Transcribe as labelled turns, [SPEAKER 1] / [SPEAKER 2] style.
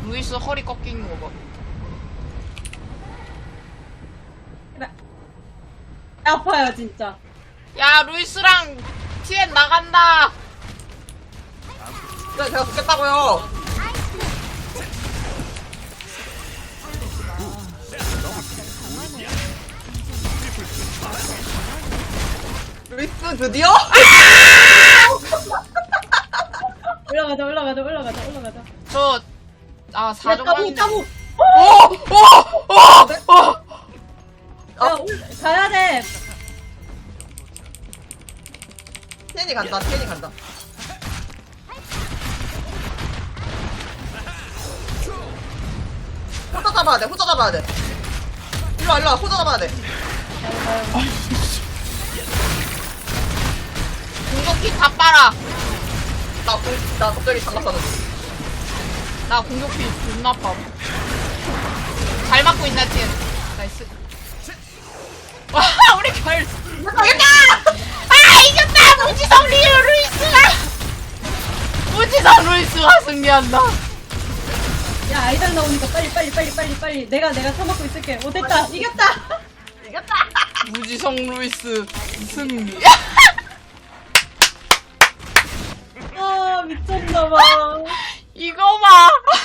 [SPEAKER 1] 루이스 허리 꺾이는 거 봐.
[SPEAKER 2] 아파요 진짜.
[SPEAKER 1] 야, 루이스랑 TN 나간다.
[SPEAKER 3] 네, 제가 죽겠다고요. 루이스 드디어?
[SPEAKER 2] 올라가자 올라가자 올라가자 올라가자.
[SPEAKER 1] 저, 아, 4점
[SPEAKER 2] 따고. 야 가야 돼.
[SPEAKER 3] 텐이 간다, 텐이 간다. 호자 잡아야 돼, 호자 잡아야 돼. 일로와, 일로와, 호자 잡아야 돼.
[SPEAKER 1] 공격기 다 빨아.
[SPEAKER 3] 나 갑자기 장갑 샀는데.
[SPEAKER 1] 나 공격기 존나 아파. 잘 맞고 있나, TN. 나이스. 와, 우리 결.
[SPEAKER 3] 이겼다!
[SPEAKER 1] 아, 이겼다! 무지성 루이스가! 무지성 루이스가 승리한다.
[SPEAKER 2] 야 아이달 나오니까 빨리. 내가 처먹고 있을게. 오 됐다 이겼다.
[SPEAKER 3] 이겼다!
[SPEAKER 1] 무지성 루이스 승리.
[SPEAKER 2] 아 미쳤나봐.
[SPEAKER 1] 이거 봐.